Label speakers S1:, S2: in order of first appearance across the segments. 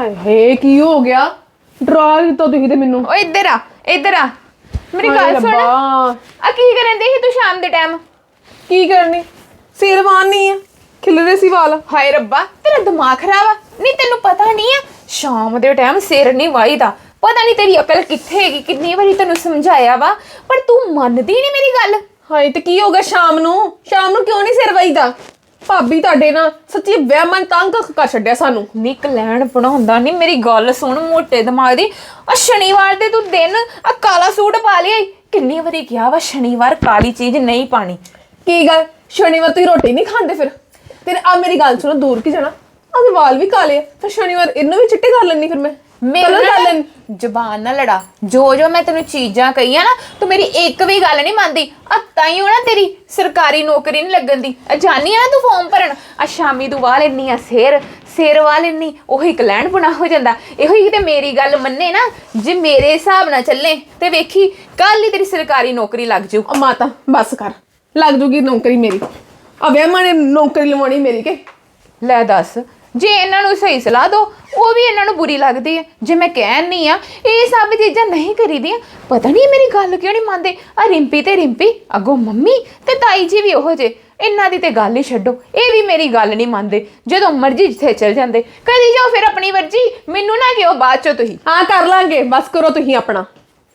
S1: ਹਾਏ ਹਾਏ ਕੀ ਹੋ ਗਿਆ? ਡਰਾ ਦਿੱਤਾ ਤੁਸੀਂ ਤੇ ਮੈਨੂੰ।
S2: ਓ ਇੱਧਰ ਆ ਮੇਰੀ ਗੱਲ ਸੁਣ। ਆ ਕੀ ਕਰਨ ਦੀ ਸੀ ਤੂੰ ਸ਼ਾਮ ਦੇ ਟਾਈਮ?
S1: ਕੀ ਕਰਨੀ? ਸਿਰ ਵਾਹਨੀ ਆ, ਖਿਲਰੇ ਸੀ ਵਾਲ।
S2: ਹਾਏ ਰੱਬਾ ਤੇਰਾ ਦਿਮਾਗ ਖਰਾਬ ਆ? ਨਹੀਂ ਤੈਨੂੰ ਪਤਾ ਨਹੀਂ ਆ ਸ਼ਾਮ ਦੇ ਟਾਈਮ ਸਿਰ ਨਹੀਂ ਵਾਹੀਦਾ। ਪਤਾ ਨਹੀਂ ਤੇਰੀ ਅਕਲ ਕਿੱਥੇ ਹੈਗੀ, ਕਿੰਨੀ ਵਾਰੀ ਤੈਨੂੰ ਸਮਝਾਇਆ ਵਾ ਪਰ ਤੂੰ ਮੰਨਦੀ ਨਹੀਂ ਮੇਰੀ ਗੱਲ।
S1: ਹਾਏ ਤੇ ਕੀ ਹੋ ਗਿਆ ਸ਼ਾਮ ਨੂੰ ਕਿਉਂ ਨਹੀਂ ਸਿਰ ਵਾਹੀਦਾ? ਭਾਬੀ ਤੁਹਾਡੇ ਨਾਲ ਸੱਚੀ ਵਹਿਮਾਂ ਤੰਗ ਕਰ ਛੱਡਿਆ ਸਾਨੂੰ।
S2: ਨਿਕ ਲੈਣ ਬਣਾਉਂਦਾ ਨਹੀਂ, ਮੇਰੀ ਗੱਲ ਸੁਣ ਮੋਟੇ ਦਿਮਾਗ ਦੀ। ਆ ਸ਼ਨੀਵਾਰ ਦੇ ਤੂੰ ਦਿਨ ਆ ਕਾਲਾ ਸੂਟ ਪਾ ਲਿਆ। ਕਿੰਨੀ ਵਾਰੀ ਕਿਹਾ ਵਾ ਸ਼ਨੀਵਾਰ ਕਾਲੀ ਚੀਜ਼ ਨਹੀਂ ਪਾਣੀ।
S1: ਕੀ ਗੱਲ ਸ਼ਨੀਵਾਰ ਤੁਸੀਂ ਰੋਟੀ ਨਹੀਂ ਖਾਂਦੇ ਫਿਰ? ਤੇ ਆ ਮੇਰੀ ਗੱਲ ਸੁਣੋ, ਦੂਰ ਕੀ ਜਾਣਾ, ਆਹ ਵਾਲ ਵੀ ਕਾਲੇ ਆ ਫਿਰ ਸ਼ਨੀਵਾਰ ਇਹਨੂੰ ਵੀ ਚਿੱਟੇ ਕਰ ਲੈਣੀ ਫਿਰ ਮੈਂ।
S2: ਮੇਰੇ ਜ਼ਬਾਨ ਨਾ ਲੜਾ। ਜੋ ਮੈਂ ਤੈਨੂੰ ਚੀਜ਼ਾਂ ਕਹੀਆਂ ਨਾ ਤੂੰ ਮੇਰੀ ਇੱਕ ਵੀ ਗੱਲ ਨਹੀਂ ਮੰਨਦੀ। ਆ ਤਾਈਓ ਨਾ ਤੇਰੀ ਸਰਕਾਰੀ ਨੌਕਰੀ ਨਹੀਂ ਲੱਗਣ ਦੀ। ਜਾਨੀ ਆ ਨਾ ਤੂੰ ਫਾਰਮ ਭਰਨ, ਆ ਸ਼ਾਮੀ ਤੂੰ ਵਾਹ ਲੈਨੀ ਆ ਸਿਰ ਵਾਹ ਲੈਨੀ, ਉਹੀ ਕਲੈਣ ਬਣਾ ਹੋ ਜਾਂਦਾ। ਇਹੋ ਹੀ ਤੇ ਮੇਰੀ ਗੱਲ ਮੰਨੇ ਨਾ, ਜੇ ਮੇਰੇ ਹਿਸਾਬ ਨਾਲ ਚੱਲੇ ਤੇ ਵੇਖੀ ਕੱਲ ਹੀ ਤੇਰੀ ਸਰਕਾਰੀ ਨੌਕਰੀ ਲੱਗ ਜਾਊ।
S1: ਮਾਤਾ ਬਸ ਕਰ, ਲੱਗ ਜੂਗੀ ਨੌਕਰੀ ਮੇਰੀ। ਆ ਵਹਿਮਾਂ ਨੇ ਨੌਕਰੀ ਲਵਾਉਣੀ ਮੇਰੀ ਕੇ?
S2: ਲੈ ਦੱਸ, ਜੇ ਇਹਨਾਂ ਨੂੰ ਸਹੀ ਸਲਾਹ ਦੋ ਉਹ ਵੀ ਇਹਨਾਂ ਨੂੰ ਬੁਰੀ ਲੱਗਦੀ ਹੈ। ਜੇ ਮੈਂ ਕਹਿਣ ਨਹੀਂ ਆ ਇਹ ਸਭ ਚੀਜ਼ਾਂ ਨਹੀਂ ਕਰੀਦੀਆਂ, ਪਤਾ ਨਹੀਂ ਮੇਰੀ ਗੱਲ ਕਿਉਂ ਨਹੀਂ ਮੰਨਦੇ। ਆ ਰਿੰਪੀ ਤੇ ਰਿੰਪੀ ਅੱਗੋਂ ਮੰਮੀ ਤੇ ਤਾਈ ਜੀ ਵੀ ਉਹੋ ਜੇ, ਇਹਨਾਂ ਦੀ ਤੇ ਗੱਲ ਹੀ ਛੱਡੋ, ਇਹ ਵੀ ਮੇਰੀ ਗੱਲ ਨਹੀਂ ਮੰਨਦੇ। ਜਦੋਂ ਮਰਜ਼ੀ ਜਿੱਥੇ ਚਲ ਜਾਂਦੇ, ਕਰੀ ਜਾਓ ਫਿਰ ਆਪਣੀ ਮਰਜ਼ੀ, ਮੈਨੂੰ ਨਾ ਕਿਉਂ ਬਾਅਦ ਚੋਂ ਤੁਸੀਂ।
S1: ਹਾਂ ਕਰ ਲਾਂਗੇ, ਬਸ ਕਰੋ ਤੁਸੀਂ ਆਪਣਾ,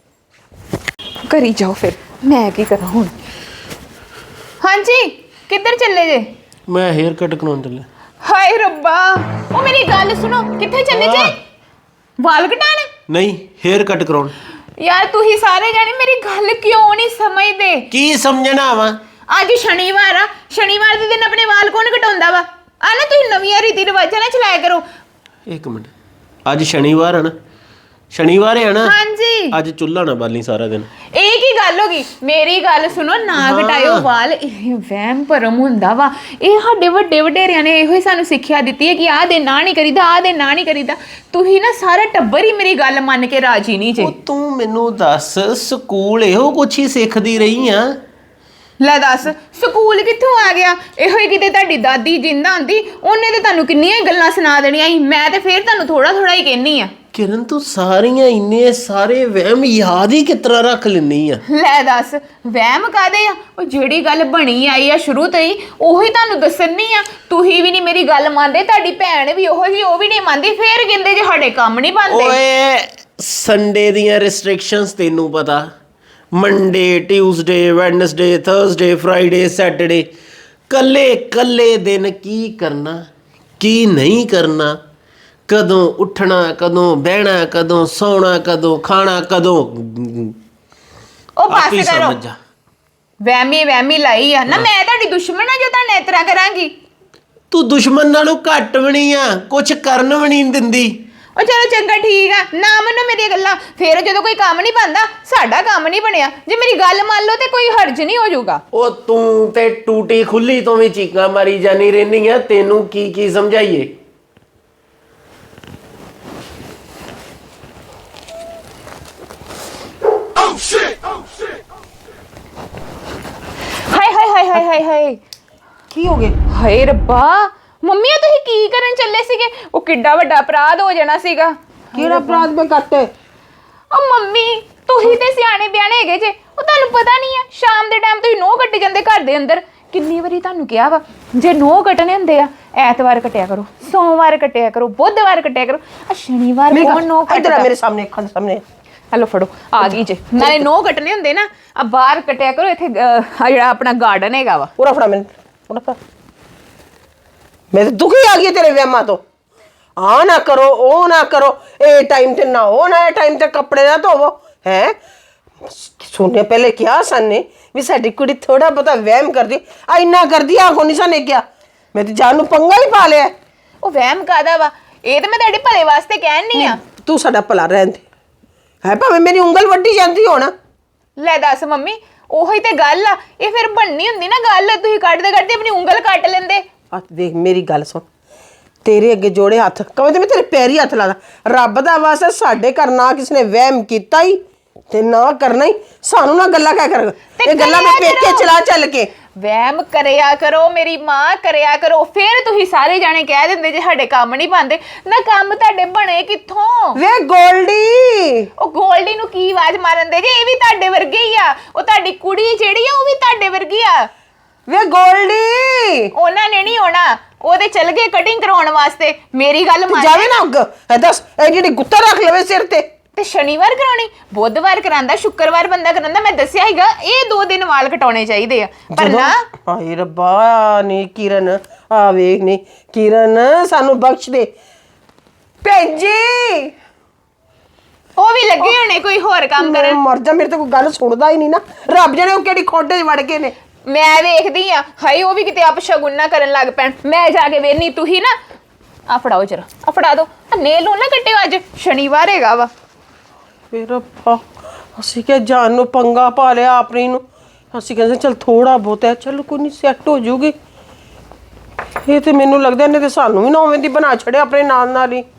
S2: ਕਰੀ ਜਾਓ ਫਿਰ, ਮੈਂ ਕੀ ਕਰਾਂ ਹੁਣ। ਹਾਂਜੀ ਕਿੱਧਰ ਚੱਲੇ ਜੇ?
S3: ਮੈਂ ਹੇਅਰ ਕੱਟ ਕਰਾਉਣ ਚੱਲਿਆ।
S2: ਹਾਏ ਰੱਬਾ, ਉਹ ਮੇਰੀ ਗੱਲ ਸੁਣੋ, ਕਿੱਥੇ ਚੱਲੇ ਜੇ? ਵਾਲ ਕਟਾਣ?
S3: ਨਹੀਂ, ਹੇਅਰ ਕੱਟ ਕਰਾਉਣ।
S2: ਯਾਰ ਤੁਸੀਂ ਸਾਰੇ ਜਾਣੇ ਮੇਰੀ ਗੱਲ ਕਿਉਂ ਨਹੀਂ ਸਮਝਦੇ?
S3: ਕੀ ਸਮਝਣਾ ਵਾ?
S2: ਅੱਜ ਸ਼ਨੀਵਾਰ ਆ, ਸ਼ਨੀਵਾਰ ਦੇ ਦਿਨ ਆਪਣੇ ਵਾਲ ਕੌਣ ਕਟਾਉਂਦਾ ਵਾ? ਆ ਨਾ ਤੁਸੀਂ ਨਵੀਆਂ ਰੀਤੀ ਰਿਵਾਜਾਂ ਨਾਲ ਚਲਾਇਆ ਕਰੋ।
S3: ਇੱਕ ਮਿੰਟ, ਅੱਜ ਸ਼ਨੀਵਾਰ ਹੈ ਨਾ? ਸ਼ਨੀਵਾਰ ਹੈ ਨਾ?
S2: ਹਾਂਜੀ।
S3: ਅੱਜ ਚੁੱਲ੍ਹਾ ਨਾ ਬਾਲੀ ਸਾਰਾ ਦਿਨ।
S2: ਇਹ ਕੀ ਗੱਲ ਹੋ ਗਈ? ਮੇਰੀ ਗੱਲ ਸੁਣੋ, ਨਾ ਕਟਾਇਓ ਵਾਲ, ਇਹ ਵਹਿਮ ਭਰਮ ਹੁੰਦਾ ਵਾ। ਇਹ ਸਾਡੇ ਵੱਡੇ ਵਡੇਰਿਆਂ ਨੇ ਇਹੋ ਹੀ ਸਾਨੂੰ ਸਿੱਖਿਆ ਦਿੱਤੀ ਹੈ ਕਿ ਆਹ ਦੇ ਨਾ ਨਹੀਂ ਕਰੀਦਾ, ਆਹ ਦੇ ਨਾ ਨਹੀਂ ਕਰੀਦਾ। ਤੁਸੀਂ ਨਾ ਸਾਰਾ ਟੱਬਰ ਹੀ ਮੇਰੀ ਗੱਲ ਮੰਨ ਕੇ ਰਾਜੀ ਨਹੀਂ ਜੇ।
S3: ਉਹ ਤੂੰ ਮੈਨੂੰ ਦੱਸ, ਸਕੂਲ ਇਹੋ ਕੁਛ ਹੀ ਸਿੱਖਦੀ ਰਹੀ ਆ?
S2: ਲੈ ਦੱਸ, ਸਕੂਲ ਕਿੱਥੋਂ ਆ ਗਿਆ? ਇਹੋ ਹੀ ਕਿਤੇ ਤੁਹਾਡੀ ਦਾਦੀ ਜਿੰਦਾ ਹੁੰਦੀ ਉਹਨੇ ਤੇ ਤੁਹਾਨੂੰ ਕਿੰਨੀਆਂ ਗੱਲਾਂ ਸੁਣਾ ਦੇਣੀਆਂ ਸੀ। ਮੈਂ ਤੇ ਫੇਰ ਤੁਹਾਨੂੰ ਥੋੜਾ ਹੀ ਕਹਿਨੀ ਆ।
S3: ਕਿਰਨ ਤੂੰ ਸਾਰੀਆਂ ਇੰਨੇ ਸਾਰੇ ਵਹਿਮ ਯਾਦ ਹੀ ਕਿਸ ਤਰ੍ਹਾਂ ਰੱਖ ਲੈਂਦੀ ਆ?
S2: ਲੈ ਦੱਸ, ਵਹਿਮ ਕਾਦੇ ਆ? ਉਹ ਜਿਹੜੀ ਗੱਲ ਬਣੀ ਆਈ ਆ ਸ਼ੁਰੂ ਤੋਂ ਹੀ ਉਹੀ ਤੁਹਾਨੂੰ ਦੱਸਣੀ ਆ। ਤੁਸੀਂ ਵੀ ਨਹੀਂ ਮੇਰੀ ਗੱਲ ਮੰਨਦੇ, ਤੁਹਾਡੀ ਭੈਣ ਵੀ ਉਹੋ ਜਿਹੀ, ਉਹ ਵੀ ਨਹੀਂ ਮੰਨਦੀ, ਫੇਰ ਕਹਿੰਦੇ ਜੇ ਸਾਡੇ ਕੰਮ ਨਹੀਂ ਬਣਦੇ।
S3: ਓਏ ਸੰਡੇ ਦੀਆਂ ਰਿਸਟ੍ਰਿਕਸ਼ਨਸ ਤੈਨੂੰ ਪਤਾ, Monday Tuesday Wednesday Thursday Friday Saturday, ਕੱਲੇ ਦਿਨ ਕੀ ਕਰਨਾ ਕੀ ਨਹੀਂ ਕਰਨਾ, ਕਦੋਂ ਉੱਠਣਾ, ਕਦੋਂ ਬਹਿਣਾ, ਕਦੋਂ ਸੌਣਾ, ਕਦੋਂ ਖਾਣਾ, ਕਦੋਂ
S2: ਉਹ ਪਾਸੇ ਕਰੋ। ਵਹਿਮੀ ਲਾਈ ਆ ਨਾ। ਮੈਂ ਤੁਹਾਡੀ ਦੁਸ਼ਮਣ ਆ ਜੋ ਤੁਹਾਨੂੰ ਇਸ ਤਰ੍ਹਾਂ ਕਰਾਂਗੀ?
S3: ਤੂੰ ਦੁਸ਼ਮਣ ਨਾਲੋਂ ਘੱਟ ਵੀ ਨਹੀਂ ਆ, ਕੁਛ ਕਰਨ ਵੀ ਨਹੀਂ ਦਿੰਦੀ।
S2: ਉਹ ਚਲੋ ਚੰਗਾ ਠੀਕ ਆ, ਨਾ ਮੰਨੋ ਮੇਰੀਆਂ ਗੱਲਾਂ। ਫੇਰ ਜਦੋਂ ਕੋਈ ਕੰਮ ਨਹੀਂ ਬਣਦਾ, ਸਾਡਾ ਕੰਮ ਨਹੀਂ ਬਣਿਆ, ਜੇ ਮੇਰੀ ਗੱਲ ਮੰਨ ਲਓ ਤੇ ਕੋਈ ਹਰਜ ਨਹੀਂ ਹੋ ਜਾਊਗਾ।
S3: ਉਹ ਤੂੰ ਤੇ ਟੂਟੀ ਖੁੱਲੀ ਤੋਂ ਵੀ ਚੀਕਾਂ ਮਾਰੀ ਜਾਨੀ ਰਹਿੰਦੀ ਆ, ਤੈਨੂੰ ਕੀ ਸਮਝਾਈਏ? ਹਾਏ
S1: ਕੀ ਹੋ ਗਿਆ?
S2: ਹਾਏ ਰੱਬਾ, ਮੰਮੀ ਤੁਸੀਂ ਕੀ ਕਰਨ ਚੱਲੇ ਸੀਗੇ? ਉਹ ਕਿੱਡਾ ਵੱਡਾ ਅਪਰਾਧ ਹੋ ਜਾਣਾ ਸੀਗਾ।
S1: ਕਿਹੜਾ ਅਪਰਾਧ ਮੈਂ ਕਰਤੇ?
S2: ਉਹ ਮੰਮੀ ਤੁਸੀਂ ਤੇ ਸਿਆਣੇ ਬਿਆਣੇ ਹੈਗੇ ਜੇ, ਉਹ ਤੁਹਾਨੂੰ ਪਤਾ ਨਹੀਂ ਆ ਸ਼ਾਮ ਦੇ ਟਾਈਮ ਤੁਸੀਂ ਨੋਹ ਕੱਟੇ ਜਾਂਦੇ ਘਰ ਦੇ ਅੰਦਰ। ਕਿੰਨੀ ਵਾਰੀ ਤੁਹਾਨੂੰ ਕਿਹਾ ਵਾ ਜੇ ਨੋਹ ਕੱਟਣੇ ਹੁੰਦੇ ਆ ਐਤਵਾਰ ਕੱਟਿਆ ਕਰੋ, ਸੋਮਵਾਰ ਕੱਟਿਆ ਕਰੋ, ਬੁੱਧਵਾਰ ਕੱਟਿਆ ਕਰੋ, ਆ ਸ਼ਨੀਵਾਰ ਕੌਣ ਨੋਹ ਕੱਟਦਾ?
S1: ਮੇਰੇ ਸਾਹਮਣੇ, ਅੱਖਾਂ ਦੇ ਸਾਹਮਣੇ।
S2: ਹਲੋ ਫੜੋ, ਆ ਗਈ ਜੇ। ਨਾਲੇ ਨੋਹ ਕੱਟਣੇ ਹੁੰਦੇ ਨਾ ਆ ਬਾਹਰ ਕੱਟਿਆ ਕਰੋ। ਇੱਥੇ ਜਿਹੜਾ ਆਪਣਾ ਗਾਰਡਨ ਹੈਗਾ ਵਾ।
S1: ਪੂਰਾ ਫੜਾ ਮੈਨੂੰ, ਪੂਰਾ ਫੜਾ। ਮੈਂ ਤਾਂ ਦੁਖੀ ਆ ਗਈ ਤੇਰੇ ਵਹਿਮਾਂ ਤੋਂ। ਆ ਨਾ ਕਰੋ, ਉਹ ਨਾ ਕਰੋ, ਇਹ ਟਾਈਮ ਤੇ ਨਾ ਹੋ, ਨਾ ਇਹ ਟਾਈਮ ਤੇ ਕੱਪੜੇ ਨਾ ਧੋਵੋ। ਹੈ ਸੁਣਨੇ ਪਹਿਲੇ ਕਿਹਾ ਸਾਨੇ ਵੀ ਸਾਡੀ ਕੁੜੀ ਥੋੜਾ ਬਹੁਤਾ ਵਹਿਮ ਕਰਦੀ, ਆ ਇੰਨਾ ਕਰਦੀ ਆ ਕੋ ਨਹੀਂ ਸਾਨੇ ਕਿਹਾ। ਮੈਂ ਤੇ ਜਾਨ ਨੂੰ ਪੰਗਾ ਹੀ ਪਾ ਲਿਆ।
S2: ਉਹ ਵਹਿਮ ਕਾਦਾ ਵਾ? ਇਹ ਤਾਂ ਮੈਂ ਤੁਹਾਡੇ ਭਲੇ ਵਾਸਤੇ ਕਹਿਣ ਨਹੀਂ ਆ।
S1: ਤੂੰ ਸਾਡਾ ਭਲਾ ਰਹਿਣ ਦੇ। ਹੈ ਭਾਵੇਂ ਮੇਰੀ ਉਂਗਲ ਵੱਢੀ ਜਾਂਦੀ ਹੋਣਾ।
S2: ਲੈ ਦੱਸ ਮੰਮੀ, ਉਹੀ ਤੇ ਗੱਲ ਆ। ਇਹ ਫਿਰ ਬਣਨੀ ਹੁੰਦੀ ਨਾ ਗੱਲ, ਤੁਸੀਂ ਕੱਟਦੇ ਆਪਣੀ ਉਂਗਲ ਕੱਟ ਲੈਂਦੇ।
S1: ਆ ਦੇਖ ਮੇਰੀ ਗੱਲ ਸੁਣ, ਤੇਰੇ ਅੱਗੇ ਜੋੜੇ ਹੱਥ, ਕਵੇਂ ਤੇ ਮੈਂ ਤੇਰੇ ਪੈਰੀ ਹੱਥ ਲਾਦਾ। ਰੱਬ ਦਾ ਵਾਸਤਾ ਸਾਡੇ ਘਰ ਨਾ ਕਿਸੇ ਨੇ ਵਹਿਮ ਕੀਤਾ ਹੀ ਤੇ ਨਾ ਕਰਨਾ ਹੀ। ਸਾਨੂੰ ਨਾ ਗੱਲਾਂ ਕਹਿ ਕਰ, ਇਹ ਗੱਲਾਂ ਮੈਂ ਪੇਕੇ ਚਲਾ ਚੱਲ ਕੇ
S2: ਵਹਿਮ ਕਰਿਆ ਕਰੋ, ਮੇਰੀ ਮਾਂ ਕਰਿਆ ਕਰੋ। ਫਿਰ ਤੁਸੀਂ ਸਾਰੇ ਜਾਣੇ ਕਹਿ ਦਿੰਦੇ ਜੇ ਸਾਡੇ ਕੰਮ ਨਹੀਂ ਬਣਦੇ। ਨਾ ਕੰਮ ਤੁਹਾਡੇ ਬਣੇ ਕਿੱਥੋਂ?
S1: ਵੇ ਗੋਲਡੀ,
S2: ਉਹ ਗੋਲਡੀ ਨੂੰ ਕੀ ਆਵਾਜ਼ ਮਾਰਨ ਦੇ ਜੇ? ਇਹ ਵੀ ਤੁਹਾਡੇ ਵਰਗੇ ਹੀ ਆ। ਉਹ ਤੁਹਾਡੀ ਕੁੜੀ ਜਿਹੜੀ ਆ ਉਹ ਵੀ ਤੁਹਾਡੇ ਵਰਗੀ ਆ।
S1: ਵੇ ਗੋਲਡੀ,
S2: ਉਹਨਾਂ ਨੇ ਨਹੀਂ ਆਉਣਾ, ਉਹਦੇ ਚਲ ਗਏ ਕਟਿੰਗ ਕਰਾਉਣ ਵਾਸਤੇ। ਮੇਰੀ ਗੱਲ ਮੰਨ।
S1: ਜਾਵੇ ਨਾ ਅੱਗ ਇਹ ਦੱਸ, ਇਹ ਜਿਹੜੀ ਗੁੱਤਾ ਰੱਖ ਲਵੇ ਸਿਰ ਤੇ।
S2: ਤੇ ਸ਼ਨੀਵਾਰ ਕਰਾਉਣੀ, ਬੁੱਧਵਾਰ ਕਰਾਂਦਾ, ਸ਼ੁੱਕਰਵਾਰ ਬੰਦਾ ਕਰਾਂਦਾ। ਮੈਂ ਦੱਸਿਆ ਹੀਗਾ ਇਹ 2 ਦਿਨ ਵਾਲ ਕਟਾਉਣੇ ਚਾਹੀਦੇ ਆ, ਪਰ ਨਾ।
S1: ਹਾਏ ਰੱਬਾ, ਨੀ ਕਿਰਨ ਆ ਵੇਖ, ਨੀ ਕਿਰਨ ਸਾਨੂੰ ਬਖਸ਼ ਦੇ ਭੈਣ ਜੀ।
S2: ਉਹ ਵੀ ਲੱਗੇ ਹੋਣੇ ਕੋਈ ਹੋਰ ਕੰਮ
S1: ਮੈਂ
S2: ਕਰਨ।
S1: ਮਰ ਜਾ, ਮੇਰੇ ਤੋਂ ਕੋਈ ਗੱਲ ਸੁਣਦਾ ਹੀ ਨਹੀਂ ਨਾ। ਰੱਬ ਜਾਣੇ ਉਹ ਕਿਹੜੀ ਖੋਡੇ 'ਚ ਵੜ ਗਏ ਨੇ।
S2: ਮੈਂ ਵੇਖਦੀ ਆ, ਹਾਏ ਉਹ ਵੀ ਕਿਤੇ ਅਪਸ਼ਗੁਨ ਨਾ ਕਰਨ ਲੱਗ ਪੈਣ। ਮੈਂ ਜਾ ਕੇ ਵੇਖਨੀ। ਤੁਸੀਂ ਨਾ ਆ ਫੜਾਓ ਜਰਾ, ਆ ਫੜਾ ਦੋ। ਨੇਲ ਨੂੰ ਨਾ ਕੱਟਿਓ, ਅੱਜ ਸ਼ਨੀਵਾਰ ਹੈਗਾ ਵਾ।
S1: ਫਿਰ ਰੱਬਾ, ਅਸੀਂ ਕਿ ਜਾਨ ਨੂੰ ਪੰਗਾ ਪਾ ਲਿਆ ਆਪਣੀ ਨੂੰ। ਅਸੀਂ ਕਹਿੰਦੇ ਚਲ ਥੋੜਾ ਬਹੁਤ ਹੈ, ਚਲ ਕੋਈ ਨਹੀਂ, ਸੈੱਟ ਹੋ ਜੂਗੀ। ਇਹ ਤੇ ਮੈਨੂੰ ਲੱਗਦਾ ਇਹਨੇ ਤੇ ਸਾਨੂੰ ਵੀ ਨਾ ਉਵੇਂ ਦੀ ਬਣਾ ਛੜਿਆ ਆਪਣੇ ਨਾਲ ਨਾਲ ਹੀ।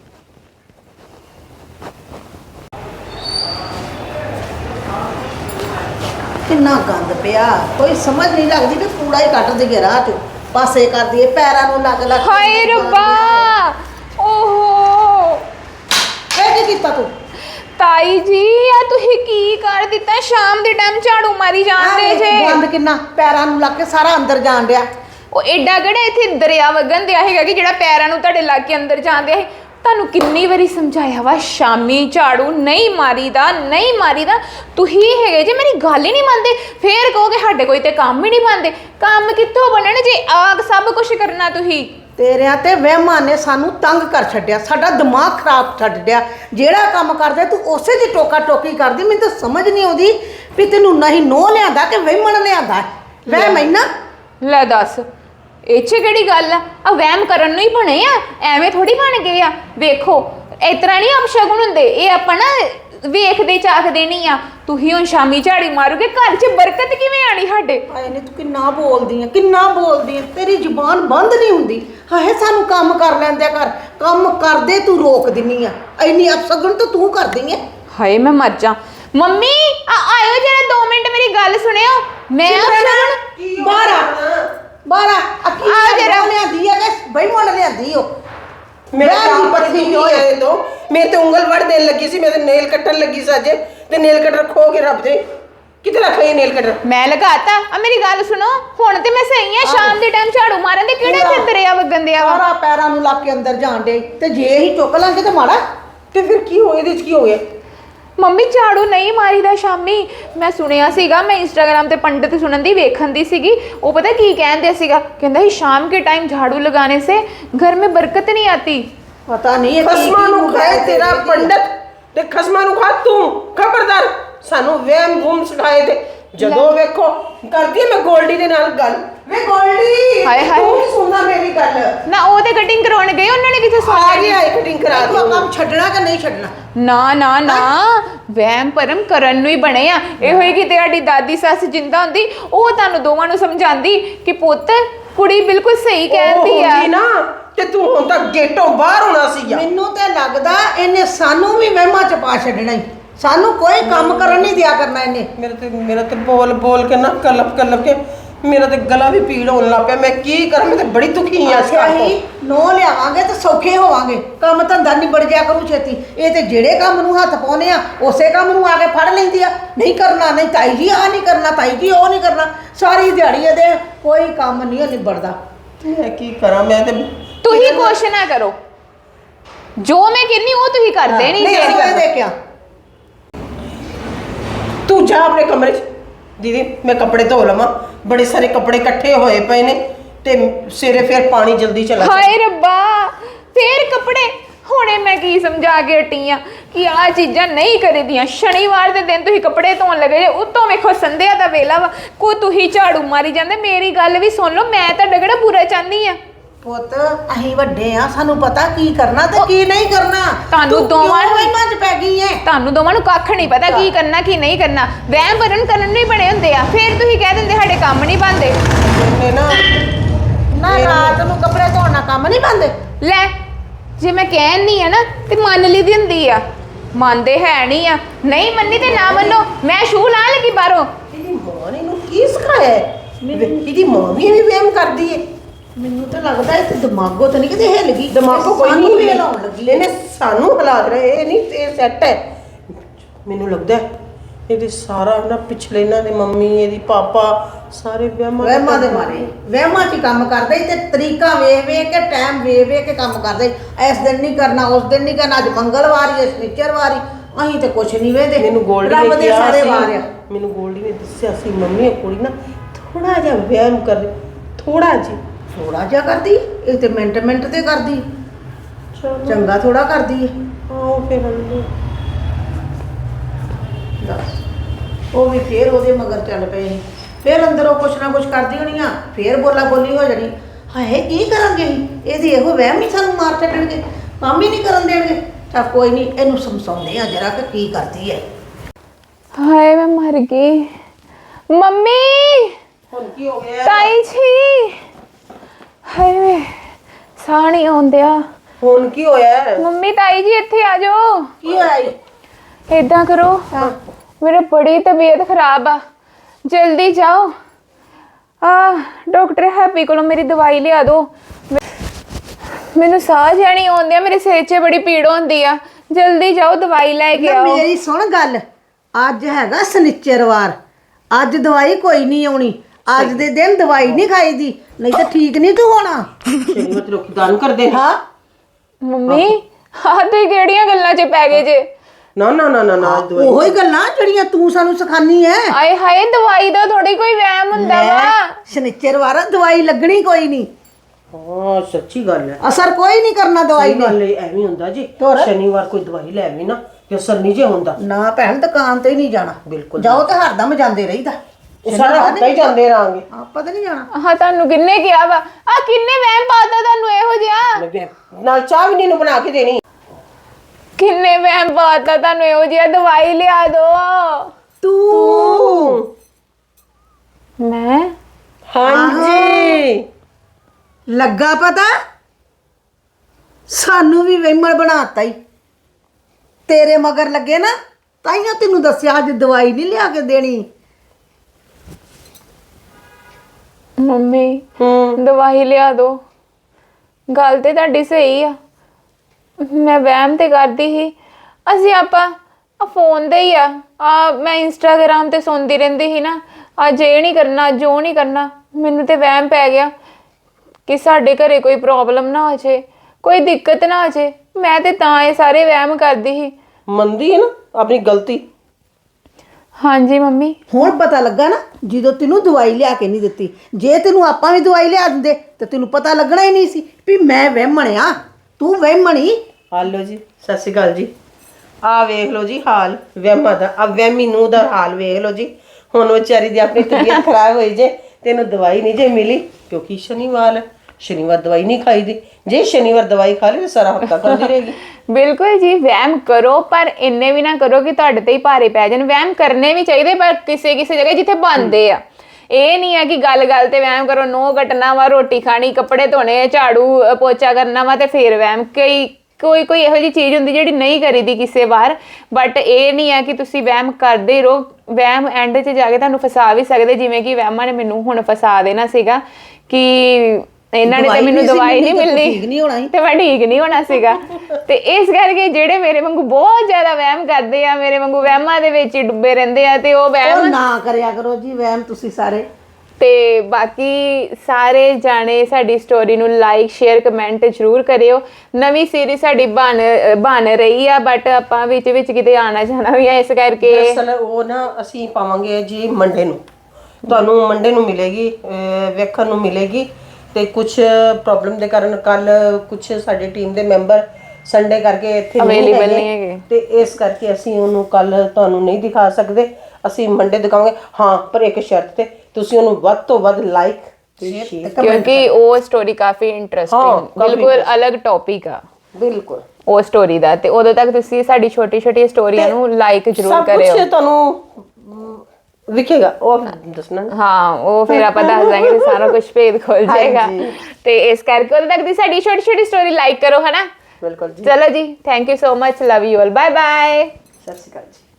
S4: ਕਿੰਨਾ ਗੰਦ ਪਿਆ, ਕੋਈ ਸਮਝ ਨਹੀਂ ਲੱਗਦੀ ਕਿ ਕੂੜਾ ਹੀ ਕੱਢ ਦਈਏ ਰਾਹ 'ਚ, ਪਾਸੇ ਕਰ ਦਈਏ, ਪੈਰਾਂ ਨੂੰ ਲੱਗ ਲੱਗ ਕੇ
S2: ਹਾਏ ਰੱਬਾ, ਓਹੋ
S4: ਇਹ ਕੀ ਕੀਤਾ ਤੂੰ?
S2: ਤਾਈ ਜੀ ਆ ਤੁਸੀਂ ਕੀ ਕਰ ਦਿੱਤਾ? ਸ਼ਾਮ ਦੇ ਟਾਈਮ ਝਾੜੂ ਮਾਰੀ ਜਾਂਦੇ ਜੇ।
S4: ਗੰਦ ਕਿੰਨਾ ਪੈਰਾਂ ਨੂੰ ਲੱਗ ਕੇ ਸਾਰਾ ਅੰਦਰ ਜਾਣ ਡਿਆ।
S2: ਉਹ ਐਡਾ ਕਿਹੜਾ ਇੱਥੇ ਦਰਿਆ ਵਗਣ ਦਿਆ ਹੈਗਾ ਕਿ ਜਿਹੜਾ ਪੈਰਾਂ ਨੂੰ ਤੁਹਾਡੇ ਲਾ ਕੇ ਅੰਦਰ ਜਾਂਦੇ ਹੈ? ਤੁਹਾਨੂੰ ਕਿੰਨੀ ਵਾਰੀ ਸਮਝਾਇਆ ਵਾ ਸ਼ਾਮੀ ਝਾੜੂ ਨਹੀਂ ਮਾਰੀਦਾ, ਨਹੀਂ ਮਾਰੀਦਾ। ਤੁਸੀਂ ਹੈਗੇ ਜੇ ਮੇਰੀ ਗੱਲ ਹੀ ਨਹੀਂ ਮੰਨਦੇ। ਫੇਰ ਕਹੋਗੇ ਸਾਡੇ ਕੋਈ ਤੇ ਕੰਮ ਹੀ ਨਹੀਂ ਬਣਦੇ। ਕੰਮ ਕਿੱਥੋਂ ਬਣਨ ਜੇ ਆਗ ਸਭ ਕੁਝ ਕਰਨਾ ਤੁਸੀਂ?
S4: ਤੇਰਿਆਂ ਤੇ ਵਹਿਮਾਂ ਨੇ ਸਾਨੂੰ ਤੰਗ ਕਰ ਛੱਡਿਆ, ਸਾਡਾ ਦਿਮਾਗ ਖਰਾਬ ਛੱਡ ਦਿਆ। ਜਿਹੜਾ ਕੰਮ ਕਰਦੇ ਤੂੰ ਉਸੇ ਦੀ ਟੋਕਾ ਟੋਕੀ ਕਰਦੀ। ਮੈਨੂੰ ਤਾਂ ਸਮਝ ਨਹੀਂ ਆਉਂਦੀ ਵੀ ਤੈਨੂੰ ਨਹੀਂ ਨੋ ਲਿਆਂਦਾ ਕਿ ਵਹਿਮਣ ਲਿਆਂਦਾ। ਵਹਿਮ ਇੰਨਾ
S2: ਲੈ ਦੱਸ, ਇਹ 'ਚ ਕਿਹੜੀ ਗੱਲ ਆ? ਆ ਵਹਿਮ ਕਰਨ ਨੂੰ ਹੀ ਬਣੇ ਆ, ਐਵੇਂ ਥੋੜੀ ਬਣ ਗਏ ਆ। ਵੇਖੋ ਇਸ ਤਰ੍ਹਾਂ ਨਹੀਂ ਅਪਸ਼ਗੁਨ ਹੁੰਦੇ, ਇਹ ਆਪਾਂ ਨਾ ਵੇਖਦੇ ਚਾਖਦੇ ਨਹੀਂ ਆ। ਤੁਸੀਂ ਹੁਣ ਸ਼ਾਮੀ ਝਾੜੀ ਮਾਰੋਗੇ, ਘਰ 'ਚ ਬਰਕਤ ਕਿਵੇਂ ਆਣੀ ਸਾਡੇ?
S4: ਹਾਏ ਨੇ ਤੂੰ ਕਿੰਨਾ ਬੋਲਦੀ ਆ, ਕਿੰਨਾ ਬੋਲਦੀ ਆ, ਤੇਰੀ ਜ਼ੁਬਾਨ ਬੰਦ ਨਹੀਂ ਹੁੰਦੀ। ਹਾਏ ਸਾਨੂੰ ਕੰਮ ਕਰ ਲੈਂਦਿਆ ਕਰ, ਕੰਮ ਕਰਦੇ ਤੂੰ ਰੋਕ ਦਿੰਨੀ ਆ। ਇੰਨੀ ਅਪਸ਼ਗਨ ਤਾਂ ਤੂੰ ਕਰਦੀ ਆ।
S2: ਹਾਏ ਮੈਂ ਮਰ ਜਾ। ਮੰਮੀ ਆਇਓ ਜਰਾ 2 ਮਿੰਟ ਮੇਰੀ ਗੱਲ ਸੁਣਿਓ। ਮੈਂ ਅਪਸ਼ਗੁਨ
S4: ਬਾਰਾ ਅੱਖੀ
S2: ਆ ਜਰਾ।
S4: ਲਿਆਂਦੀ ਆ ਕਿ ਵਹਿਮਣ ਲਿਆਂਦੀ ਉਹ।
S1: ਮੇਰਾ
S4: ਵਹਿਮ
S1: ਕੰਮ
S4: ਦੀ
S1: ਪਰ
S4: ਪੱਤੀ
S1: ਨਹੀਂ
S4: ਹੋਏ।
S1: ਹੋਇਆ ਇਹ ਤੋਂ। ਮੇਰੇ ਤੇ ਉਂਗਲ ਵੜ ਦੇਣ ਲੱਗੀ ਸੀ, ਮੈਂ ਤੇ ਨੇਲ ਕੱਟਣ ਲੱਗੀ ਸੀ ਅੱਜ, ਤੇ ਨੇਲ ਕਟਰ ਖੋ ਕੇ ਰੱਬ ਦੇ ਕਿੱਥੇ ਰੱਖਿਆ ਇਹ ਨੇਲ ਕਟਰ?
S2: ਮੈਂ ਲਗਾਤਾ। ਆ ਮੇਰੀ ਗੱਲ ਸੁਣੋ, ਹੁਣ ਤੇ ਮੈਂ ਸਹੀ ਆ। ਸ਼ਾਮ ਦੇ ਟਾਈਮ ਝਾੜੂ ਮਾਰਨ ਦੇ ਕਿਹੜੇ ਤੇ ਦਰਿਆ ਵਗਣ ਦਿਆ ਵਾ?
S4: ਸਾਰਾ ਪੈਰਾਂ ਨੂੰ ਲੱਗ ਕੇ ਅੰਦਰ ਜਾਣ ਦੇ, ਤੇ ਜੇ ਹੀ ਚੁੱਕ ਲਾਂਗੇ ਤੇ ਮਾੜਾ।
S1: ਤੇ ਫਿਰ ਕੀ ਹੋ ਇਹਦੇ 'ਚ ਕੀ ਹੋ ਗਿਆ?
S2: ਮੰਮੀ ਝਾੜੂ ਨਹੀਂ ਮਾਰੀਦਾ ਸ਼ਾਮੀ। ਮੈਂ ਸੁਣਿਆ ਸੀਗਾ, ਮੈਂ ਇੰਸਟਾਗ੍ਰਾਮ ਤੇ ਪੰਡਤ ਸੁਣਨ ਦੀ ਵੇਖਣ ਦੀ ਸੀਗੀ। ਉਹ ਪਤਾ ਕੀ ਕਹਿੰਦੇ ਸੀਗਾ? ਕਹਿੰਦਾ ਸੀ शाम के टाइम झाड़ू लगाने से घर में बरकत नहीं आती।
S4: ਪਤਾ ਨਹੀਂ ਇਹ
S1: ਖਸਮਾਂ ਨੂੰ ਖਾਏ ਤੇਰਾ ਪੰਡਤ ਤੇ ਖਸਮਾਂ ਨੂੰ ਖਾ ਤੂੰ। ਖਬਰਦਾਰ, ਸਾਨੂੰ ਵਹਿਮ ਭੂਮ ਸਿਖਾਏ ਤੇ ਜਦੋਂ ਵੇਖੋ ਕਰਦੀ ਮੈਂ ਗੋਲਡੀ ਦੇ ਨਾਲ ਗੱਲ। ਵੇ ਗੋਲਡੀ,
S2: ਹਾਏ ਹਾਏ।
S1: ਤੂੰ ਨਹੀਂ ਸੁਣਦਾ ਮੇਰੀ ਗੱਲ।
S2: ਨਾ ਉਹ ਤੇ ਕਟਿੰਗ ਕਰਾਉਣ ਗਏ, ਉਹਨਾਂ ਨੇ ਕਿੱਥੇ
S1: ਆ
S2: ਸੁਣਿਆ?
S1: ਗਿਆ ਇਹ ਕਟਿੰਗ ਕਰਾ
S4: ਤੂੰ
S1: ਦਿਓ।
S4: ਕੰਮ ਛੱਡਣਾ ਕਿ ਨਹੀਂ ਛੱਡਣਾ?
S2: ਨਾ ਨਾ ਨਾ, ਵਹਿਮ ਭਰਮ ਕਰਨ ਨੂੰ ਹੀ ਬਣੇ ਆ। ਇਹੋ ਹੀ ਕਿ ਤੁਹਾਡੀ ਦਾਦੀ ਸੱਸ ਜਿੰਦਾ ਹੁੰਦੀ, ਉਹ ਤੁਹਾਨੂੰ ਦੋਵਾਂ ਨੂੰ ਸਮਝਾਉਂਦੀ ਕਿ ਪੁੱਤ ਕੁੜੀ ਬਿਲਕੁਲ ਸਹੀ ਕਹਿੰਦੀ ਆ।
S1: ਹੁੰਦੀ ਨਾ ਤੇ ਤੂੰ ਹੁਣ ਤਾਂ ਗੇਟੋਂ ਬਾਹਰ ਹੋਣਾ ਸੀ।
S4: ਮੈਨੂੰ ਤੇ ਲੱਗਦਾ ਇਹਨੇ ਸਾਨੂੰ ਵੀ ਵਹਿਮਾਂ ਚ ਪਾ ਛੱਡਣਾ ਹੀ। ਸਾਨੂੰ ਕੋਈ ਕੰਮ ਕਰਨ ਨਹੀਂ ਦਿਆ ਕਰਨਾ ਇਹਨੇ।
S1: ਮੇਰਾ ਤੇ ਬੋਲ ਬੋਲ ਕੇ ਨਾ ਕਲਪ ਕੇ ਮੇਰਾ ਤੇ ਗਲਾ ਵੀ ਪੀੜ ਹੋਣ ਲੱਗ ਪਿਆ। ਮੈਂ ਕੀ ਕਰਾਂ, ਮੈਂ ਤੇ ਬੜੀ ਦੁਖੀ ਆ ਇਸ
S4: ਅੱਛਾ
S1: ਘਰ ਤੋਂ।
S4: ਹੀ ਨੋ ਲਿਆਵਾਂਗੇ ਤੇ ਸੌਖੇ ਹੋਵਾਂਗੇ, ਕੰਮ ਧੰਦਾ ਨਿਬੜ ਜਾ ਕਰੂ ਛੇਤੀ। ਇਹ ਤੇ ਜਿਹੜੇ ਕੰਮ ਨੂੰ ਹੱਥ ਪਾਉਨੇ ਆ ਉਸੇ ਕੰਮ ਨੂੰ ਆ ਕੇ ਫੜ ਲੈਂਦੀ ਆ। ਨਹੀਂ ਕਰਨਾ, ਨਹੀਂ ਤਾਈ ਜੀ ਆ ਨਹੀਂ ਕਰਨਾ, ਤਾਈ ਜੀ ਉਹ ਨਹੀਂ ਕਰਨਾ। ਸਾਰੀ ਦਿਹਾੜੀ ਇਹਦੇ ਕੋਈ ਕੰਮ ਨਹੀਂ ਨਿਬੜਦਾ।
S1: ਮੈਂ ਕੀ ਕਰਾਂ, ਮੈਂ ਤੇ
S2: ਤੁਸੀਂ ਕੁਛ ਨਾ ਕਰੋ, ਜੋ ਮੈਂ ਕਹਿੰਨੀ ਉਹ ਤੁਸੀਂ ਕਰਦੇ ਨਹੀਂ।
S1: ਨਹੀਂ,
S2: ਜੇ।
S1: ਅਸੀਂ
S4: ਇਹ ਦੇਖਿਆ
S1: ਤੂੰ ਜਾ ਆਪਣੇ ਕਮਰੇ 'ਚ। ਦੀਦੀ ਮੈਂ ਕੱਪੜੇ ਧੋ ਲਵਾਂ, ਬੜੇ ਸਾਰੇ ਕੱਪੜੇ ਇਕੱਠੇ ਹੋਏ ਪਏ ਨੇ ਤੇ ਸਵੇਰੇ ਫਿਰ ਪਾਣੀ ਜਲਦੀ ਚਲਾ ਜਾ।
S2: ਹਾਏ ਰੱਬਾ, ਫੇਰ ਕੱਪੜੇ। ਹੁਣੇ ਮੈਂ ਕੀ ਸਮਝਾ ਕੇ ਹਟੀ ਆ ਕਿ ਆ ਚੀਜ਼ਾਂ ਨਹੀਂ ਕਰੀਦੀਆਂ। ਸ਼ਨੀਵਾਰ ਦੇ ਦਿਨ ਤੁਸੀਂ ਕੱਪੜੇ ਧੋਣ ਲੱਗੇ ਜੇ, ਉੱਤੋਂ ਵੇਖੋ ਸੰਧਿਆ ਦਾ ਵੇਲਾ ਵਾ, ਕੋ ਤੁਸੀਂ ਝਾੜੂ ਮਾਰੀ ਜਾਂਦੇ। ਮੇਰੀ ਗੱਲ ਵੀ ਸੁਣ ਲਓ, ਮੈਂ ਤੁਹਾਡਾ ਕਿਹੜਾ ਬੁਰਾ ਚਾਹੁੰਦੀ ਆ?
S4: ਪੁੱਤ ਅਸੀਂ ਵੱਡੇ ਆ, ਸਾਨੂੰ ਪਤਾ ਕੀ ਕਰਨਾ ਤੇ ਕੀ ਨਹੀਂ ਕਰਨਾ।
S2: ਤੁਹਾਨੂੰ
S4: ਤੂੰ
S2: ਦੋਵਾਂ
S4: ਕਿਉਂ
S2: ਨੂੰ-
S4: ਵਹਿਮਾਂ ਚ ਪੈ ਗਈ ਐ।
S2: ਤੁਹਾਨੂੰ ਦੋਵਾਂ ਨੂੰ ਕੱਖ ਨਹੀਂ ਪਤਾ ਕੀ ਕਰਨਾ ਕੀ ਨਹੀਂ ਕਰਨਾ। ਵਹਿਮ ਭਰਨ ਕਰਨ ਨੂੰ ਹੀ ਬਣੇ ਹੁੰਦੇ ਆ। ਫਿਰ ਤੁਸੀਂ ਕਹਿ ਦਿੰਦੇ ਸਾਡੇ ਕੰਮ ਨਹੀਂ ਬਣਦੇ।
S1: ਇਹਨੇ ਨਾ
S4: ਨਾ ਰਾਤ ਨੂੰ ਕੱਪੜੇ ਧੋਣ ਨਾਲ ਕੰਮ ਨਹੀਂ ਬੰਦੇ।
S2: ਲੈ, ਜੇ ਮੈਂ ਕਹਿਣੀ ਆ ਨਾ ਤੇ ਮੰਨ ਲਈ ਦੀ ਹੁੰਦੀ ਆ। ਮੰਨਦੇ ਹੈ ਨਹੀਂ ਆ। ਨਹੀਂ ਮੰਨੀ ਤੇ ਨਾ ਮੰਨੋ। ਮੈਂ ਸ਼ੂ ਲਾ ਲੱਗੀ ਬਾਹਰੋਂ।
S1: ਇਹਦੀ ਮਾਂ ਨੇ ਇਹਨੂੰ ਕੀ ਸਿਖਾਇਆ ਹੈ? ਇਹਦੀ ਮਾਂ ਵੀ ਵਹਿਮ ਕਰਦੀ ਏ।
S4: ਮੈਨੂੰ ਤਾਂ ਲੱਗਦਾ ਇਹ ਤੇ ਦਿਮਾਗੋਂ ਤਾਂ ਨਹੀਂ ਕਿਤੇ ਹਿੱਲ ਗਈ,
S1: ਦਿਮਾਗੋਂ ਕੋਈ
S4: ਸਾਨੂੰ
S1: ਨਹੀਂ
S4: ਹਿਲਾਉਣ ਲੱਗੀ
S1: ਇਹਨੇ ਸਾਨੂੰ ਹਿਲਾ ਦੇਣਾ, ਇਹ ਨਹੀਂ ਇਹ ਸੈੱਟ ਹੈ। ਮੈਨੂੰ ਲੱਗਦਾ ਇਹਦੇ ਸਾਰਾ ਨਾ ਪਿਛਲੇ ਇਹਨਾਂ ਦੇ ਮੰਮੀ ਇਹਦੀ ਪਾਪਾ ਸਾਰੇ
S4: ਵਹਿਮਾਂ ਦੇ ਮਾਰੇ ਵਹਿਮਾਂ 'ਚ ਹੀ ਕੰਮ ਕਰਦੇ ਤੇ ਤਰੀਕਾ ਵੇਖ ਵੇਖ ਕੇ ਟਾਈਮ ਵੇਖ ਵੇਖ ਕੇ ਕੰਮ ਕਰਦੇ। ਇਸ ਦਿਨ ਨਹੀਂ ਕਰਨਾ, ਉਸ ਦਿਨ ਨਹੀਂ ਕਰਨਾ, ਅੱਜ ਮੰਗਲਵਾਰ ਹੀ, ਸ਼ਨੀਚਰਵਾਰ ਹੀ, ਅਸੀਂ ਤੇ ਕੁਛ ਨਹੀਂ ਵੇਖਦੇ।
S1: ਮੈਨੂੰ ਗੋਲਡੀ
S4: ਰੱਬ
S1: ਨੇ
S4: ਦੇ
S1: ਕਿਹਾ
S4: ਸਾਰੇ
S1: ਸੀ,
S4: ਵਾਰ ਆ।
S1: ਮੈਨੂੰ ਗੋਲਡੀ ਨੇ ਦੱਸਿਆ ਸੀ ਮੰਮੀ ਇਹ ਕੁੜੀ ਨਾ ਥੋੜਾ ਜਿਹਾ ਵਹਿਮ ਕਰ, ਥੋੜਾ
S4: ਜਿਹਾ ਕਰਦੀ, ਇਹ ਤੇ ਮਿੰਟ ਮਿੰਟ ਤੇ ਕਰਦੀ, ਚੰਗਾ ਥੋੜਾ ਕਰਦੀ ਹੈ।
S1: ਆਓ ਫਿਰ ਅੰਦਰ।
S4: ਦੱਸ ਉਹ ਵੀ ਫੇਰ ਉਹਦੇ ਮਗਰ ਚੱਲ ਪਏ, ਫੇਰ ਅੰਦਰੋਂ ਕੁਛ ਨਾ ਕੁਛ ਕਰਦੀ ਹੋਣੀ ਆ, ਫੇਰ ਬੋਲਾ ਬੋਲੀ ਹੋ ਜਾਣੀ। ਹਾਏ ਕੀ ਕਰਾਂਗੇ ਅਸੀਂ, ਇਹਦੀ ਇਹੋ ਵਹਿਮ ਹੀ ਸਾਨੂੰ ਮਾਰ ਛੱਡਣਗੇ, ਕੰਮ ਹੀ ਨਹੀਂ ਕਰਨ ਦੇਣਗੇ। ਤਾਂ ਕੋਈ ਨਹੀਂ, ਇਹਨੂੰ ਸਮਝਾਉਂਦੇ ਆ ਜਰਾ ਕਿ ਕੀ ਕਰਦੀ ਹੈ।
S2: ਹਾਏ ਮੈਂ ਮਰ ਗਈ। ਮੰਮੀ,
S1: ਹੁਣ ਕੀ ਹੋ ਗਿਆ?
S2: ਤਾਈ ਜੀ, ਹਾਏ ਸਾਹ ਨਹੀਂ ਆਉਂਦਿਆ।
S1: ਹੁਣ ਕੀ ਹੋਇਆ?
S2: ਮੰਮੀ ਤਾਈ ਜੀ ਇੱਥੇ ਆ ਜਾਓ।
S4: ਕੀ ਹੋਇਆ ਈ?
S2: ਏਦਾਂ ਕਰੋ, ਮੇਰੀ ਬੜੀ ਤਬੀਅਤ ਖਰਾਬ ਆ, ਜਲਦੀ ਜਾਓ। ਡਾਕਟਰ ਹੈਪੀ ਕੋਲੋਂ ਮੇਰੀ ਦਵਾਈ ਲਿਆ ਦਿਓ। ਮੈਨੂੰ ਸਾਹ ਜਿਹਾ ਨਹੀਂ ਆਉਂਦਿਆ, ਮੇਰੇ ਸਿਰ 'ਚ ਬੜੀ ਪੀੜ ਹੁੰਦੀ ਆ, ਜਲਦੀ ਜਾਓ ਦਵਾਈ ਲੈ ਕੇ ਆਓ।
S4: ਮੇਰੀ ਸੁਣ ਗੱਲ, ਅੱਜ ਹੈਗਾ ਸ਼ਨੀਚਰਵਾਰ, ਅੱਜ ਦਵਾਈ ਕੋਈ ਨਹੀਂ ਆਉਣੀ, ਅੱਜ ਦੇ ਦਿਨ ਦਵਾਈ ਨਹੀਂ ਖਾਈਦੀ, ਨਹੀਂ ਤਾਂ ਠੀਕ ਨਹੀਂ ਤੂੰ ਹੋਣਾ।
S1: ਸ਼ਨੀਵਾਰ ਤੇ ਲੋਕੀ ਦਾਨ ਕਰਦੇ ਨੇ।
S4: ਹਾਂ
S2: ਮੰਮੀ ਤੁਸੀਂ ਕਿਹੜੀਆਂ ਗੱਲਾਂ 'ਚ ਪੈ ਗਏ ਜੇ?
S1: ਨਾ ਨਾ ਨਾ ਨਾ ਨਾ ਦਵਾਈ
S4: ਉਹੋ ਹੀ ਗੱਲਾਂ ਜਿਹੜੀਆਂ ਤੂੰ ਸਾਨੂੰ ਸਿਖਾਨੀ ਐ।
S2: ਆਏ ਹਾਏ, ਦਵਾਈ ਦਾ ਥੋੜੀ ਕੋਈ ਵਹਿਮ ਹੁੰਦਾ ਵਾ।
S4: ਸ਼ਨੀਚਰਵਾਰ ਆ, ਦਵਾਈ ਲੱਗਣੀ ਕੋਈ ਨਹੀਂ,
S1: ਹਾਂ ਸੱਚੀ ਗੱਲ ਹੈ।
S4: ਅਸਰ ਕੋਈ ਨਹੀਂ ਕਰਨਾ ਦਵਾਈ ਨੇ।
S1: ਗੱਲ ਐਵੇਂ ਹੁੰਦਾ ਜੀ,
S4: ਹੋਰ?
S1: ਸ਼ਨੀਵਾਰ ਕੋਈ ਦਵਾਈ ਲੈ ਆਵੇ ਨਾ ਤੇ ਅਸਰ ਨਹੀਂ ਜੇ ਹੁੰਦਾ।
S4: ਨਾ ਭੈਣ, ਦੁਕਾਨ ਤੇ ਨਹੀਂ ਜਾਣਾ,
S1: ਬਿਲਕੁਲ
S4: ਜਾਓ ਤੇ ਹਰਦਮ ਜਾਂਦੇ ਰਹੀਦਾ।
S1: ਉਹ ਸਾਰਾ ਹਫਤਾ ਹੀ ਜਾਂਦੇ ਰਹਾਂਗੇ।
S4: ਆਪਾਂ ਤਾਂ ਨਹੀਂ ਜਾਣਾ।
S2: ਹਾਂ ਤੁਹਾਨੂੰ ਕਿੰਨੇ ਕਿਹਾ ਵਾ? ਕਿੰਨੇ ਵਹਿਮ ਪਾਤਾ ਤੁਹਾਨੂੰ ਇਹੋ ਜਿਹਾ?
S1: ਨਾਲ ਚਾਹ ਵੀ ਨਹੀਂ ਬਣਾ ਕੇ ਦੇਣੀ।
S2: ਕਿੰਨੇ ਵਹਿਮ ਪਾਤਾ ਤੁਹਾਨੂੰ ਇਹੋ ਜਿਹਾ? ਦਵਾਈ ਲਿਆ ਦੋ।
S4: ਤੂੰ
S2: ਮੈਂ
S1: ਹਾਂਜੀ
S4: ਲੱਗਾ ਪਤਾ, ਸਾਨੂੰ ਵੀ ਵਹਿਮਣ ਬਣਾਤਾ ਹੀ, ਤੇਰੇ ਮਗਰ ਲੱਗੇ ਨਾ, ਤਾਈਆਂ ਤੈਨੂੰ ਦੱਸਿਆ ਅੱਜ ਦਵਾਈ ਨਹੀਂ ਲਿਆ ਕੇ ਦੇਣੀ।
S2: ਮੰਮੀ ਦਵਾਈ ਲਿਆ ਦੋ। ਗੱਲ ਤੇ ਤੁਹਾਡੀ ਸਹੀ ਆ, ਮੈਂ ਵਹਿਮ ਤੇ ਕਰਦੀ ਸੀ। ਅਸੀਂ ਆਪਾਂ ਫੋਨ ਦੇ ਹੀ ਆ ਮੈਂ ਇੰਸਟਾਗ੍ਰਾਮ ਤੇ ਸੁਣਦੀ ਰਹਿੰਦੀ ਸੀ ਨਾ, ਅੱਜ ਇਹ ਨਹੀਂ ਕਰਨਾ, ਅੱਜ ਉਹ ਨਹੀਂ ਕਰਨਾ। ਮੈਨੂੰ ਤੇ ਵਹਿਮ ਪੈ ਗਿਆ ਕਿ ਸਾਡੇ ਘਰੇ ਕੋਈ ਪ੍ਰੋਬਲਮ ਨਾ ਹੋ ਜਾਏ, ਕੋਈ ਦਿੱਕਤ ਨਾ ਆ ਜਾਏ। ਮੈਂ ਤੇ ਤਾਂ ਇਹ ਸਾਰੇ ਵਹਿਮ ਕਰਦੀ ਸੀ।
S1: ਮੰਨਦੀ ਹੈ ਨਾ ਆਪਣੀ ਗਲਤੀ।
S2: ਹਾਂਜੀ ਮੰਮੀ।
S4: ਹੁਣ ਪਤਾ ਲੱਗਾ ਨਾ, ਜਦੋਂ ਤੈਨੂੰ ਦਵਾਈ ਲਿਆ ਕੇ ਨਹੀਂ ਦਿੱਤੀ। ਜੇ ਤੈਨੂੰ ਆਪਾਂ ਵੀ ਦਵਾਈ ਲਿਆ ਦਿੰਦੇ ਤੇ ਤੈਨੂੰ ਪਤਾ ਲੱਗਣਾ ਹੀ ਨਹੀਂ ਸੀ ਵੀ ਮੈਂ ਵਹਿਮਣ ਆ, ਤੂੰ ਵਹਿਮਣੀ।
S1: ਹਾਲੋ ਜੀ, ਸਤਿ ਸ਼੍ਰੀ ਅਕਾਲ ਜੀ। ਆ ਵੇਖ ਲਓ ਜੀ ਹਾਲ ਵਹਿਮਾਂ ਦਾ, ਆ ਵਹਿਮੀ ਨੂੰ ਦਾ ਹਾਲ ਵੇਖ ਲਓ ਜੀ। ਹੁਣ ਵਿਚਾਰੀ ਦੀ ਆਪਣੀ ਤਬੀਅਤ ਖਰਾਬ ਹੋਈ ਜੇ, ਤੈਨੂੰ ਦਵਾਈ ਨਹੀਂ ਜੇ ਮਿਲੀ ਕਿਉਂਕਿ ਸ਼ਨੀਵਾਰ ਹੈ। ਸ਼ਨੀਵਾਰ ਦਵਾਈ ਨਹੀਂ ਖਾਈਦੀ, ਜੇ ਸ਼ਨੀਵਾਰ ਦਵਾਈ ਖਾ ਲਈ ਤਾਂ ਸਾਰਾ ਹਫਤਾ ਖਾਂਦੀ ਰਹੇਗੀ।
S2: ਬਿਲਕੁਲ ਜੀ, ਵਹਿਮ ਕਰੋ ਪਰ ਇੰਨੇ ਵੀ ਨਾ ਕਰੋ ਕਿ ਤੁਹਾਡੇ ਤੇ ਹੀ ਭਾਰੇ ਪੈ ਜਾਣ। ਵਹਿਮ ਕਰਨੇ ਵੀ ਚਾਹੀਦੇ ਪਰ ਕਿਸੇ ਕਿਸੇ ਜਗ੍ਹਾ ਜਿੱਥੇ ਬਣਦੇ ਆ। ਇਹ ਨਹੀਂ ਹੈ ਕਿ ਗੱਲ ਗੱਲ ਤੇ ਵਹਿਮ ਕਰੋ, ਨੋ ਕੱਟਣਾ ਵਾ, ਰੋਟੀ ਖਾਣੀ, ਕੱਪੜੇ ਧੋਣੇ, ਝਾੜੂ ਪੋਚਾ ਕਰਨਾ ਵਾ ਤੇ ਫੇਰ ਵਹਿਮ। ਕੋਈ ਕੋਈ ਇਹੋ ਜਿਹੀ ਚੀਜ਼ ਹੁੰਦੀ ਜਿਹੜੀ ਨਹੀਂ ਕਰੀਦੀ ਕਿਸੇ ਵਾਰ, ਬਟ ਇਹ ਨਹੀਂ ਹੈ ਕਿ ਤੁਸੀਂ ਵਹਿਮ ਕਰਦੇ ਹੀ ਰਹੋ। ਵਹਿਮ ਐਂਡ 'ਚ ਜਾ ਕੇ ਤੁਹਾਨੂੰ ਫਸਾ ਵੀ ਸਕਦੇ, ਜਿਵੇਂ ਕਿ ਵਹਿਮਾਂ ਨੇ ਮੈਨੂੰ ਹੁਣ ਫਸਾ ਦੇਣਾ ਸੀਗਾ ਕਿ ਇਹਨਾਂ ਨੇ ਤੇ ਮੈਨੂੰ ਦਵਾਈ ਨਹੀਂ ਮਿਲਣੀ ਤੇ ਮੈਂ ਠੀਕ ਨਹੀਂ ਹੋਣਾ ਸੀਗਾ। ਤੇ ਇਸ ਕਰਕੇ ਜਿਹੜੇ ਮੇਰੇ ਵਾਂਗੂ ਬਹੁਤ ਜ਼ਿਆਦਾ ਵਹਿਮ ਕਰਦੇ ਆ, ਮੇਰੇ ਵਾਂਗੂ ਵਹਿਮਾਂ ਦੇ ਵਿੱਚ ਹੀ ਡੁੱਬੇ ਰਹਿੰਦੇ ਆ, ਤੇ ਉਹ ਵਹਿਮ
S4: ਨਾ ਕਰਿਆ ਕਰੋ ਜੀ ਵਹਿਮ ਤੁਸੀਂ ਸਾਰੇ।
S2: ਤੇ ਬਾਕੀ ਸਾਰੇ ਜਾਣੇ ਸਾਡੀ ਸਟੋਰੀ ਨੂੰ ਲਾਈਕ ਸ਼ੇਅਰ ਕਮੈਂਟ ਜ਼ਰੂਰ ਕਰਿਓ। ਨਵੀਂ ਸੀਰੀਜ਼ ਸਾਡੀ ਬਣ ਰਹੀ ਆ, ਬਟ ਆਪਾਂ ਵਿੱਚ ਵਿੱਚ ਕਿਤੇ ਆਣਾ ਜਾਣਾ ਵੀ ਆ, ਇਸ ਕਰਕੇ
S1: ਅਸਲ ਉਹ ਨਾ ਅਸੀਂ ਪਾਵਾਂਗੇ ਜੀ ਮੰਡੇ ਨੂੰ, ਤੁਹਾਨੂੰ ਮੰਡੇ ਨੂੰ ਮਿਲੇਗੀ, ਵੇਖਣ ਨੂੰ ਮਿਲੇਗੀ। ਤੇ ਕੁਝ ਪ੍ਰੋਬਲਮ ਦੇ ਕਾਰਨ ਕੱਲ ਕੁਝ ਸਾਡੀ ਟੀਮ ਦੇ ਮੈਂਬਰ ਸੰਡੇ ਕਰਕੇ ਇੱਥੇ
S2: ਅਵੇਲੇਬਲ ਨਹੀਂ ਹੈਗੇ,
S1: ਤੇ ਇਸ ਕਰਕੇ ਅਸੀਂ ਉਹਨੂੰ ਕੱਲ ਤੁਹਾਨੂੰ ਨਹੀਂ ਦਿਖਾ ਸਕਦੇ। ਅਸੀਂ ਮੰਡੇ ਦਿਖਾਵਾਂਗੇ, ਹਾਂ ਪਰ ਇੱਕ ਸ਼ਰਤ ਤੇ, ਤੁਸੀਂ ਉਹਨੂੰ ਵੱਧ ਤੋਂ ਵੱਧ ਲਾਈਕ ਤੇ ਸ਼ੇਅਰ,
S2: ਕਿਉਂਕਿ ਉਹ ਸਟੋਰੀ ਕਾਫੀ ਇੰਟਰਸਟਿੰਗ, ਬਿਲਕੁਲ ਅਲੱਗ ਟੌਪਿਕ ਆ
S1: ਬਿਲਕੁਲ
S2: ਉਹ ਸਟੋਰੀ ਦਾ। ਤੇ ਉਦੋਂ ਤੱਕ ਤੁਸੀਂ ਸਾਡੀ ਛੋਟੀ ਛੋਟੀ ਸਟੋਰੀਆਂ ਨੂੰ ਲਾਈਕ ਜ਼ਰੂਰ ਕਰਿਓ।
S1: ਸਭ ਕੁਝ ਤੁਹਾਨੂੰ ਵਿਖੇਗਾ, ਉਹ ਦੱਸਣਾ।
S2: ਹਾਂ ਉਹ ਫਿਰ ਆਪਾਂ ਦੱਸ ਦਾਂਗੇ ਤੇ ਸਾਰਾ ਕੁਝ ਭੇਦ ਖੁੱਲ ਜਾਏਗਾ। ਤੇ ਇਸ ਕਰਕੇ ਉਦੋਂ ਤੱਕ ਦੀ ਸਾਡੀ ਛੋਟੀ ਛੋਟੀ ਸਟੋਰੀ ਲਾਈਕ ਕਰੋ, ਹੈ ਨਾ।
S1: ਬਿਲਕੁਲ ਜੀ।
S2: ਚਲੋ ਜੀ, thank you so much, love you all, bye bye,
S1: ਸਤਿ ਸ਼੍ਰੀ ਅਕਾਲ ਜੀ।